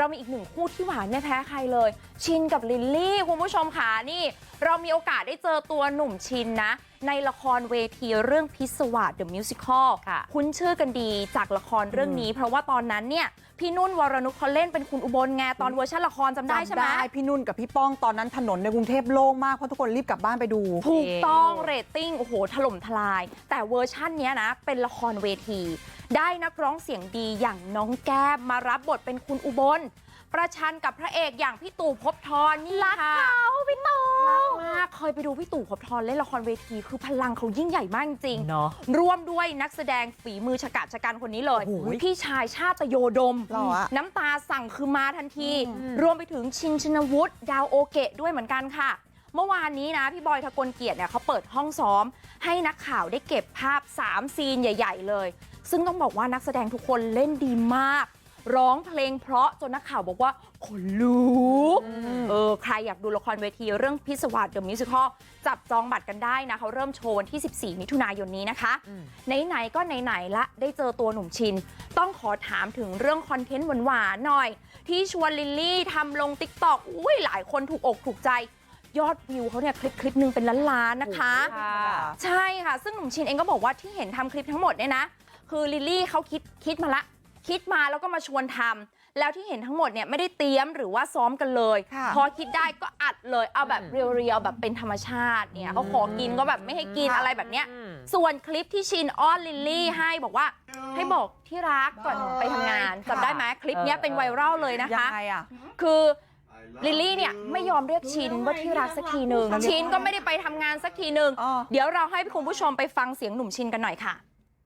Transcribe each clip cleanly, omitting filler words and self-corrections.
เรามีอีกหนึ่งคู่ที่หวานไม่แพ้ใครเลยชินกับลิลลี่คุณผู้ชมค่ะนี่เรามีโอกาสได้เจอตัวหนุ่มชินนะในละครเวทีเรื่องพิศวาส The Musical คุ้นชื่อกันดีจากละครเรื่องนี้เพราะว่าตอนนั้นเนี่ยพี่นุ่นวรนุชเขาเล่นเป็นคุณอุบลไงตอนเวอร์ชันละครจำได้ใช่ไหมพี่นุ่นกับพี่ป้องตอนนั้นถนนในกรุงเทพโล่งมากเพราะทุกคนรีบกลับบ้านไปดูถูกต้องเรตติ้งโอ้โหถล่มทลายแต่เวอร์ชันนี้นะเป็นละครเวทีได้นักร้องเสียงดีอย่างน้องแก้มมารับบทเป็นคุณอุบลประชันกับพระเอกอย่างพี่ตู่ภพบทรนี่ค่ะรักเขาพี่ตู่รักมากเคยไปดูพี่ตู่ภพบทรเล่นละครเวทีคือพลังเขายิ่งใหญ่มากจริงเนาะร่วมด้วยนักแสดงฝีมือฉกาจชะกันคนนี้เลยพี่ชายชาตโยดมน้ำตาสั่งคือมาทันทีรวมไปถึงชินชินวุฒิดาวโอเกะด้วยเหมือนกันค่ะเมื่อวานนี้นะพี่บอยทะกลเกียรติเนี่ยเขาเปิดห้องซ้อมให้นักข่าวได้เก็บภาพ3ซีนใหญ่ๆเลยซึ่งต้องบอกว่านักแสดงทุกคนเล่นดีมากร้องเพลงเพราะจนนักข่าวบอกว่าขนลุกใครอยากดูละครเวทีเรื่องพิศวาส The Musical จับจองบัตรกันได้นะเขาเริ่มโชว์วันที่14มิถุนายนนี้นะคะไหนๆก็ไหนๆละได้เจอตัวหนุ่มชินต้องขอถามถึงเรื่องคอนเทนต์หวานๆหน่อยที่ชวนลิลลี่ทำลง TikTok อุ้ยหลายคนถูกอกถูกใจยอดวิวเขาเนี่ยคลิปนึงเป็นล้านๆนะคะใช่ค่ะซึ่งหนุ่มชินเองก็บอกว่าที่เห็นทำคลิปทั้งหมดเนี่ยนะคือลิลลี่เขาคิดมาแล้วก็มาชวนทำแล้วที่เห็นทั้งหมดเนี่ยไม่ได้เตรียมหรือว่าซ้อมกันเลยพอคิดได้ก็อัดเลยเอาแบบเรียวๆแบบเป็นธรรมชาติเนี่ยเขาขอกินก็แบบไม่ให้กินอะไรแบบเนี้ยส่วนคลิปที่ชินอ้อนลิลลี่ให้บอกว่าให้บอกที่รักก่อนไปทำงานจำได้ไหมคลิปนี้เป็นไวรัลเลยนะคะคือลิลลี่เนี่ยไม่ยอมเรียกชินว่าที่รักสักทีหนึ่งชินก็ไม่ได้ไปทำงานสักทีหนึ่งเดี๋ยวเราให้คุณผู้ชมไปฟังเสียงหนุ่มชินกันหน่อยค่ะ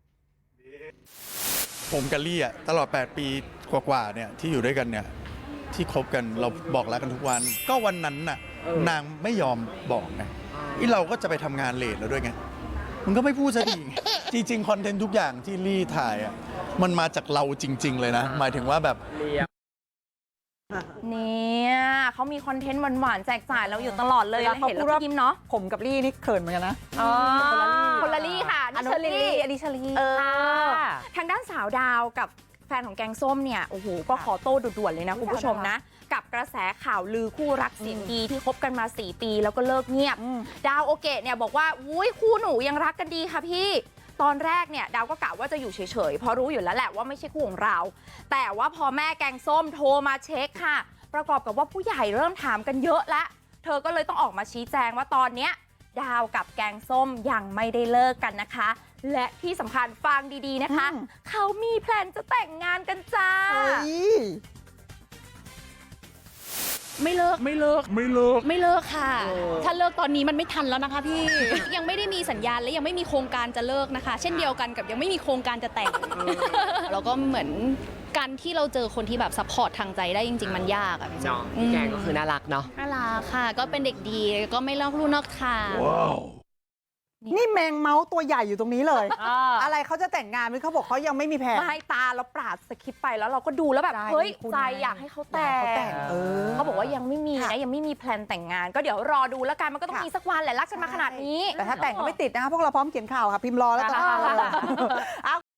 ผมกับลี่อะตลอด8 ปีกว่าๆเนี่ยที่อยู่ด้วยกันเนี่ยที่คบกันเราบอกรักกันทุกวันก็วันนั้นน่ะนางไม่ยอมบอกไงเราก็จะไปทำงานเลทแล้วด้วยไงมันก็ไม่พูดซะทีจริงๆคอนเทนต์ทุกอย่างที่ลี่ถ่ายอะมันมาจากเราจริงๆเลยนะหมายถึงว่าแบบเนี่ยเขามีคอนเทนต์หวานๆแจกจ่ายเราอยู่ตลอดเลยเห็นแล้วก็ยิ้มเนาะผมกับลี่นี่เขินเหมือนกันนะคนละลี่ค่ะนี่เชอรี่อันนี้เชอรี่ทางด้านสาวดาวกับแฟนของแกงส้มเนี่ยโอ้โหก็ขอโต้ด่วนๆเลยนะคุณผู้ชมนะกับกระแสข่าวลือคู่รักเสียงดีที่คบกันมา4 ปีแล้วก็เลิกเงียบดาวโอเกะเนี่ยบอกว่าอุ้ยคู่หนูยังรักกันดีค่ะพี่ตอนแรกเนี่ยดาวก็กะว่าจะอยู่เฉยๆเพราะรู้อยู่แล้วแหละว่าไม่ใช่คู่ของเราแต่ว่าพอแม่แกงส้มโทรมาเช็คค่ะประกอบกับว่าผู้ใหญ่เริ่มถามกันเยอะละเธอก็เลยต้องออกมาชี้แจงว่าตอนเนี้ยดาวกับแกงส้มยังไม่ได้เลิกกันนะคะและที่สำคัญฟังดีๆนะคะเขามีแพลนจะแต่งงานกันจ้าไม่เลิกค่ะถ้าเลิกตอนนี้มันไม่ทันแล้วนะคะพี่ ยังไม่ได้มีสัญญาณและยังไม่มีโครงการจะเลิกนะคะ เช่นเดียวกันกับยังไม่มีโครงการจะแต่ง แล้วก็เหมือนการที่เราเจอคนที่แบบซัพพอร์ตทางใจได้จริงๆมันยากอะพี่จ๊ะแกก็คือน่ารักเนาะน่ารักค่ะก็เป็นเด็กดีก็ไม่ลอกลู่นอกทางนี่แมงเม้าตัวใหญ่อยู่ตรงนี้เลยอะไรเขาจะแต่งงานมั้ยเขาบอกเขายังไม่มีแผนไม่ตาเราปราดสคริปต์ไปแล้วเราก็ดูแล้วแบบเฮ้ยใจอยากให้เขาแต่งเขาบอกว่ายังไม่มีนะยังไม่มีแพลนแต่งงานก็เดี๋ยวรอดูแล้วกันมันก็ต้องมีสักวันแหละรักกันมาขนาดนี้แต่ถ้าแต่งก็ไม่ติดนะคะพวกเราพร้อมเขียนข่าวค่ะพิมพ์รอแล้วกัน